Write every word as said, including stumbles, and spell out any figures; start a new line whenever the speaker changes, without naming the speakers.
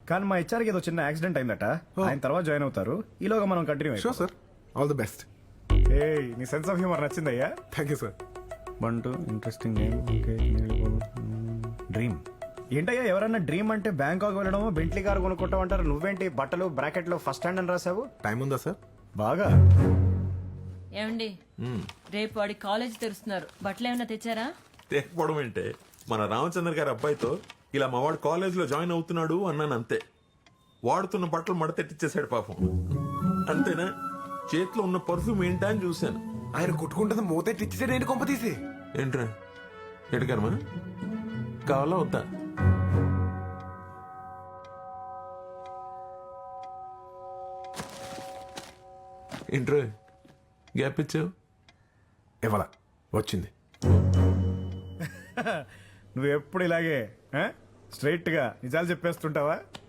కానీ మా హెచ్ఆర్కి ఏదో చిన్న యాక్సిడెంట్ అయిందట. ఆయన తర్వాత జాయిన్ అవుతారు. ఈలోగా మనం continue
sure sir, all the best.
ఏ నీ సెన్స్ ఆఫ్ హ్యూమర్ నచ్చిందయ్యా.
Thank you sir.
One two interesting name. Dream ఏంటయ్యా? ఎవరన్నా డ్రీమ్ అంటే బ్యాంకాక్ వెళ్ళడం, బెంట్లీ కార్ కొనుక్కుంటాం అంటారు. నువ్వేంటి బట్టలు బ్రాకెట్ లో ఫస్ట్ హ్యాండ్ అని రాసావు?
టైం ఉందా సార్?
బాగా.
ఏమండి, రేపు వాడి కాలేజ్ తెరుస్తున్నారు. బట్టలు ఏమైనా తెచ్చారా?
తేకపోవడం ఏంటే, మన రామచంద్ర గారి అబ్బాయితో ఇలా మా వాడు కాలేజ్ లో జాయిన్ అవుతున్నాడు అన్నాను అంతే. వాడుతున్న బట్టలు మడతెట్టిచ్చేసాడు పాపం. అంతేనా? చేతిలో ఉన్న పర్ఫ్యూమ్ ఏంటా అని చూశాను.
ఆయన కొట్టుకుంటుంది మూతెట్టి ఇచ్చేసాడు ఏంటి కొంప తీసి.
ఏంట్రా ఎడకరమా కావాలా వద్దా? ఏంట్రా గ్యాప్ ఇచ్చావు?
ఇవ్వాల వచ్చింది.
నువ్వు ఎప్పుడు ఇలాగే స్ట్రైట్ గా నిజాలు చెప్పేస్తుంటావా?